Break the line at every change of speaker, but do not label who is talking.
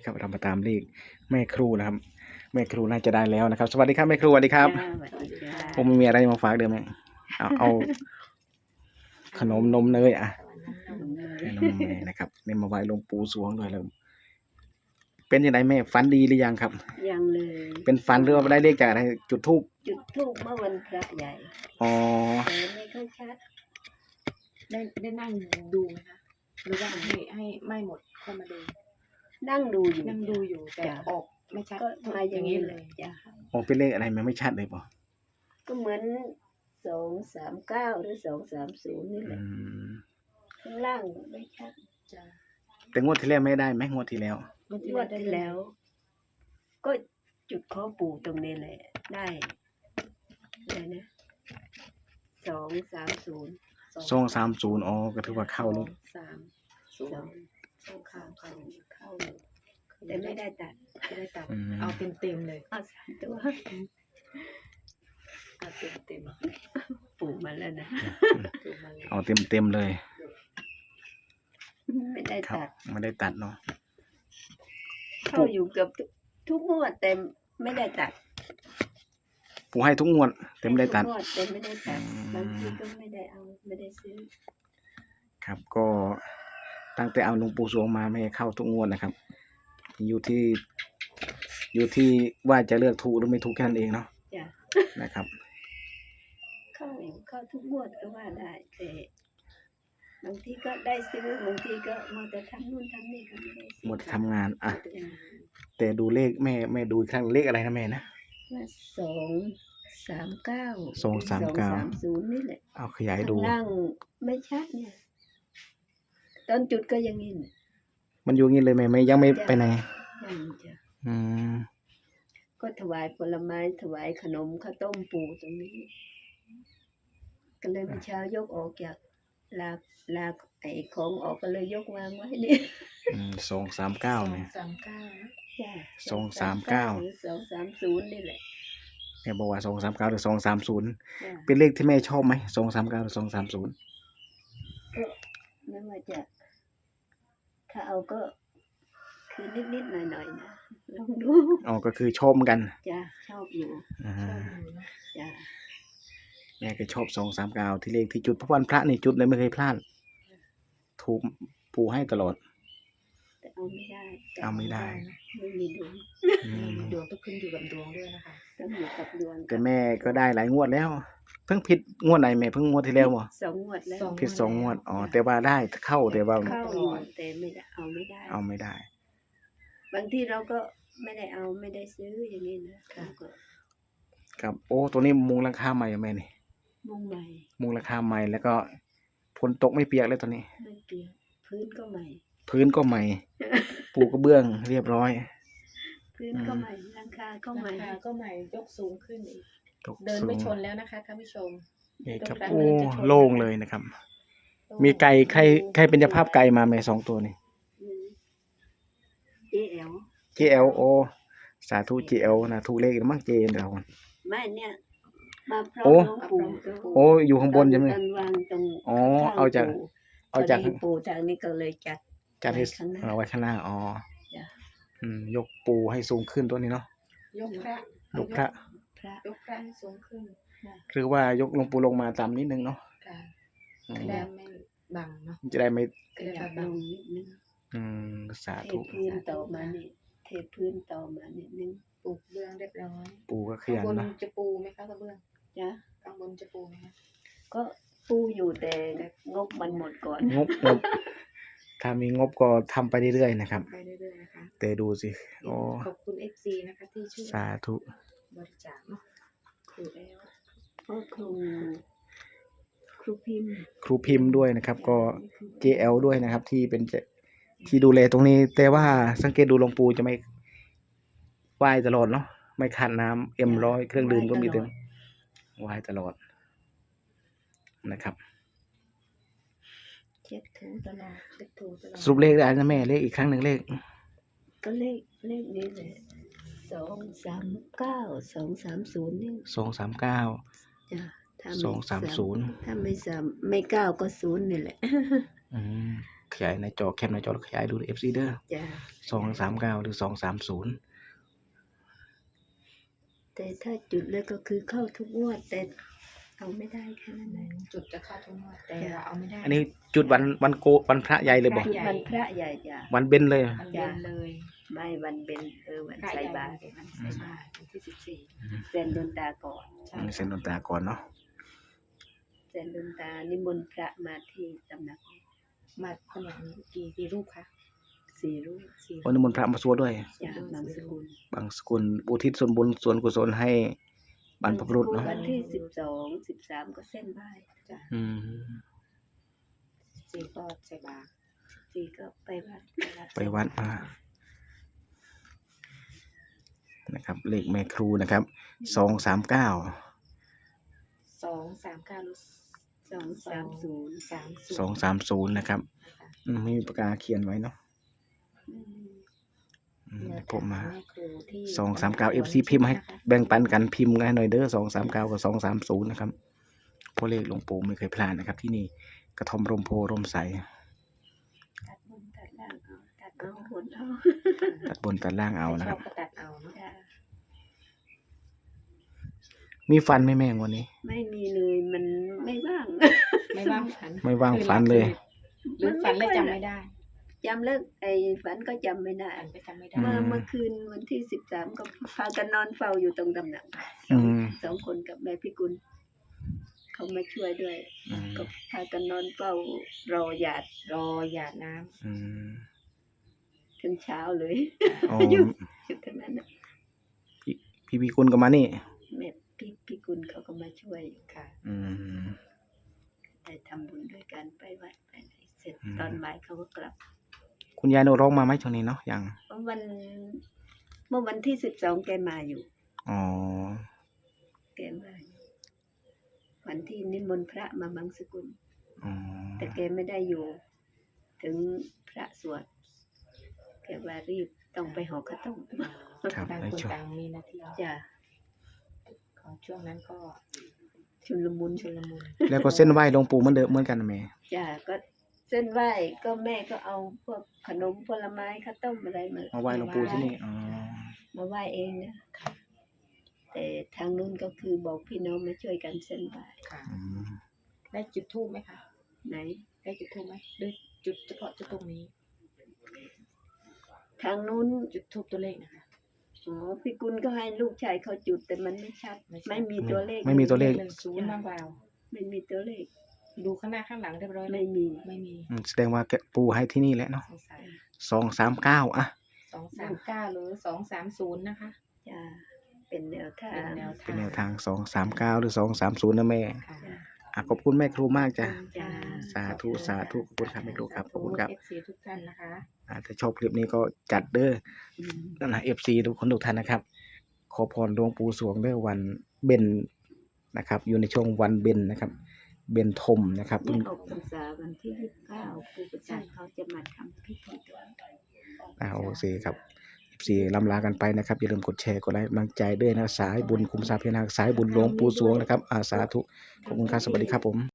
นะครับเรามาตามเลขแม่ครูนะครับแม่ครูน่าจะได้แล้วนะครับสวัสดีครับแม่ครูสวัสดีครับผมมีอะไรมาฝากเดิมไหมเอาขนมนมเนยนมเนยนะครับเนี่ยมาไหว้หลวงปู่สวงด้วยแล้วเป็นยังไงแม่ฝันดีหรือยังครับ
ยังเลย
เป็นฝันหรือว่าได้เลขจากอะไรจุดธูป
เมื่อวันพระใหญ่
อ๋อ
แต่ไม่ค่อยชัด
ได้นั่งดูไหมคะหรือว่าให้ไม่หมดค่อยมาดู
นั่งดูอยู่
แต่ออกไม่ชัด
ก็มาอย่างนี้เลยจ้ะ
อ๋อเป็นเลขอะไรมันไม่ชัดเลยป่ะ
ก็เหมือน239หรือ230นี่แหละข้างล่างไม่ชัด
จ้ะ
แต่งวดที่แล้วไม่ได้ไหมงวดที่แล้ว
งวดที่แล้วก็จุดข้อปู่ตรงนี้แหละได้อะไรนะ
230อ๋อก็ถือว่าเข้าลูก
230เข้า
แต่ไม่ได้ตัด
เอาเต็มเลย
เอา3 ตัว
เอาเต็ม
ปู่มาแล้วนะ
เอาเต็มเลย
ไม่ได้ตัด
ไม่ได้ตัดเนาะ
เข้าอยู่เกือบทุกงวดแต่ไม่ได้ตัด
ปู่ให้ทุกงวดเต็มได้ตัด
แต่ไม่ได้ตัดบางทีก็ไม่ได้เอาไม่ได้ซื้อ
ครับก็ตั้งแต่เอาหลวงปู่สวงมาไม่เข้าทุกงวดนะครับอยู่ที่ว่าจะเลือกถูกหรือไม่ถูกแค่นั้นเองเนาะนะครับ
เข้าทุกงวดก็ว่าได้แต่บางทีก็ได้ซื้อบางทีก็มาแต่ทำนู่นทำนี่ก็ไม่ได้ซื้อ
หมดทำงานแต่ดูเลขแม่ดูอีกครั้งเลขอะไรนะแม่นะ
239 นี่แหละ
เอาขยายดู
ล่างไม่ชัดเนี่ยตอนจุดก็ยังงี้
มันอยู่งี้เลยแม่ยังไม่ไปไหน
ก็ถวายผลไม้ถวายขนมข้าวต้มปู่ตรงนี้ก็เลยเมื่อเช้ายกออกจากลากไอ้ของออกก็เลยยกวางไว้นี่
239เนี่ย
230นี่แหละ
เนี่ยบอกว่า239หรือ230เป็นเลขที่แม่ชอบไหม239หรือ230
ก็ไม่ว่าจะถ้าเอาก็คือนิดๆหน่อยๆนะลองดู
อ๋อก็คือชอบกัน
จ้ะชอบอยู่จ้ะ
แม่ก็ชอบ239ที่เลขที่จุดเพราะวันพระนี่จุดเลยไม่เคยพลาดถูกปู่ให้ตลอด
แต่เอาไม่ได้ไม่มีดวง
ต้องขึ้นอยู่กับดวงด้วยนะคะ
ต้องอยู่กับดวง
แต่แม่ก็ได้หลายงวดแล้วเพิ่งผิดงวดไหนแม่เพิ่งงวดที่แล้วบ่
2 งวดแล้ว
ผิด2 งวดอ๋อแต่ว่าได้เข้าแต่ว่า
เข้าแต่ไม่ได้เอาไม่ได้บางทีเราก็ไม่ได้เอาไม่ได้ซื้ออย่างนี้นะครับ
โอ้ตัวนี้มุงหลังคาใหม่แม่นี่
มุงใหม่
มุงหลังคาใหม่แล้วก็ฝนตกไม่เปียกเลยตอนนี้
ไม่เปียกพื้นก็ใหม่
ปูกระเบื้องเรียบร้อย
พื้นก็ใหม่หลังคาก็ใหม่
ยกสูงขึ้นอีกเดินไม่ชนแล้วนะคะท่านผู้ชม
นี่ครับโอ้โล่งเลยนะครับมีไก่ใครเป็นเจ้าภาพไก่มาแม่2 ตัวนี่JL โอสาธุ JL นะถูกเลขมั้งเจนเรา
ไม่เนี่ยมาพร้อมหลวงปู่
โอ้อยู่ข้างบนใช่ไหม
อ๋อเอาจากปู่จากนี้ก็เลยจัด
ให้เอาไว้ข้างหน้าอ๋อยกปูให้สูงขึ้นตัวนี้เนาะ
ยกพระให้สูงขึ้น
หรือว่ายกหลวงปู่ลงมาต่ำนิดนึงเนาะ
ได้ไม่บังเนาะ
จะได้ไม่
บังนิดนึง
สาธุ
เทพื้นต่อมานิดนึง
ปูเบื้องเรียบร้อย
ปูก็ขยันนะ
จะปูไหมคะกระเบื้อง
จ้ะ
ข้างบนจะปูไหมคะ
ก็ปูอยู่แต่งบมันหมดก่อน
งบถ้ามีงบก็ทำไปเรื่อยๆนะครับ
นะคะ
แต่ดูสิ
ขอบคุณ FC นะคะที่ช่วย
สาธุ
บริจาคเนาะถูกแล้ว
ครู
พิมพ์ด้วยนะครับก็ JL ด้วยนะครับที่เป็นที่ดูแลตรงนี้แต่ว่าสังเกตดูหลวงปู่จะไม่ไหว้ตลอดเนาะไม่ขาดน้ำM100เครื่องดื่มก็มีเต็มไหว้ตลอดนะครับ
เช็ดถูตลอด
สรุปเลขได้นะแม่เลขอีกครั้งหนึ่งเลข
ก็เลขนี้แหละ239 230นี่
239
จ้ะ
230
ถ้าไม่9ก็0นี่แหละ
ขยายในจอแคปในจอแล้วขยายดูเอฟซีเด้อ
จ้ะ
239หรือ230
แต่ถ้าจุดแล้วก็คือเข้าทุกงวดแต่เอาไม่ได้แค่นั้นเอง
จุดจะเข้าทุกงวดแต่เราเอาไม่ได้
อันนี้จุดวันวันพระใหญ่เลยบอก
พระใหญ่
วันพระใหญ่จ้ะ
วันเบญเลย
มันเย็นเลย
ไม่วันเป็นวัน
พระ
ใส่
ใหญ่
บาตร
วันใส่บาตรวันที่14
เซนดนตาก่อน
ใช่
เซ็นดนตราก่อนเนาะ
เซนดนตานิมนต์พระมาที่ตำหนัก
มาขนาดนี้กี่รูปคะ
4 รูป
วันนี้มนต์พระมาสวดด้วย
จ้ะบางสกุล
บางสกุลอุทิศส่วนบุญส่วนกุศลให้บรรพบุรุษเนาะ
วันที่12 13ก็เส้นไหว้
จ้ะ
อืม
14ก็ใส่บาตร
4ก็ไปวัด
ไปวัดมานะครับ เลขแม่ครูนะครับ239
239หรือ
230
230นะครับ
นะคะ
ไม่มีปากกาเขียนไว้เนาะผมมา
แม่ครูที่
239 FC พิมพ์ให้แบ่งปันกันพิมพ์กันหน่อยเด้อ239กับ230นะครับเพราะเลขหลวงปู่ไม่เคยพลาดนะครับ ที่นี่กระท่อมร่มโพร่มใส
ตัดบนตัดล่างเอาตัดเอาบนเอา
ตัดบนตัดล่างเอานะ
ช
ค
อ
รั
บบ ก็ตัดเอาเนาะ
จ้ะ
มีฟันไหมแม่งวันนี้
ไม่มีเลยมันไม่ว่าง
ไม่ว่างฝัน
ไม่ว่างฝันเลย
หรือฝันแล้วจำไม่ได้
จำเลิกไอ้ฝันก็จำไม่ได้
ฝันก็จำไม่ได้
เมื่อคืนวันที่13ก็พากันนอนเฝ้าอยู่ตรงตำหนัก
อืม
2 คนกับแม่พิกุลเขามาช่วยด้วย
อืม
ก็พากันนอนเฝ้ารอหยาด
รอหยาดน้ำ
อืม
ถึงเช้าเลย
อ๋อ
อยู่ทั้งนั้นน่ะ
พี่กุลก็มานี่
แม่พิกุลเขาก็มาช่วย
ค่ะ
อืม
ได้ทำบุญด้วยกันไปวัดไปไหนเสร็จ
อืม
ตอนบ่ายเขาก็กลับ
คุณยายโนร้องมาไหมช่วงนี้เนาะยัง
เมื่อวันที่12แกมาอยู่
อ๋อ
แกมาอยู่วันที่นิมนต์พระมาบางสกุล
อ๋อ
แต่แกไม่ได้อยู่ ถึงพระสวดแกว่ารีบต้องไปหอข้าวต้ม
ครับ
ต่าง
ใน
คน
ช่วง
ต่างมีหนาที
จ้ะ
ขอช่วงนั้นก็
ชุลมุน
ชุลมุน
แล้วก็เส้นไหว้หลวงปู่เหมือนเดิมเหมือนกันนะแม่
จ้ะก็เส้นไหว้ก็แม่ก็เอาพวกขนมผลไม้ข้าวต้มอะไรมา
มาไหว้หลวงปู่ที่นี่อ๋อ
มาไหว้เองนะแต่ทางนู้นก็คือบอกพี่น้องมาช่วยกันเส้นไหว้
ค่ะ
อืม
ได้จุดทูบไหมคะ
ไหน
ได้จุดทูบไหมหรือจุดเฉพาะจุดตรงนี้
ทางนู้น
จุดทูบตัวเลขนะคะ
อ๋อพี่กุลก็ให้ลูกชายเขาจุดแต่มันไม่ชัด ไม่มีตัวเลข
ไม่มีตัวเลข
10บ้างเปล่า
ไม่มีตัวเลข
ดูข้างหน้าข้างหลังเรียบร้อยแล้ว
ไม่มี
ไม่มี
แสดงว่าแกปู่ให้ที่นี่แหละเนาะ
สงสัย
239อ่ะ
239หรือ230นะคะ
จ้ะเป็นแนวทา
เป็น
ง
แนว
เป็นแนวทาง239หรือ230นะแม่
ค่ะ
ขอบคุณแม่ครูมากจ้ะ
จ้ะ
สาธุสาธุขอบคุณครับแม่ครูครับขอบคุณครับ
FC ทุกท่านนะคะ
ถ้าชอบคลิปนี้ก็จัดเด้อ
อืม
นั่นนะ FC ทุกคนทุกท่านนะครับ ขอพรหลวงปู่สวงเด้อวันเบญนะครับ อยู่ในช่วงวันเบญนะครับ เบญทมนะครับ
นี่ออกพรรษาวันที่29ปู่ประจันเขาจะมาทำพิธีกัน
โอเคครับ FC ลำลากันไปนะครับ อย่าลืมกดแชร์กดไลค์กำลังใจด้วยนะสายบุญคุมทรัพย์พญานาคสายบุญหลวงปู่สวงนะครับสาธุขอบคุณครับสวัสดีครับผม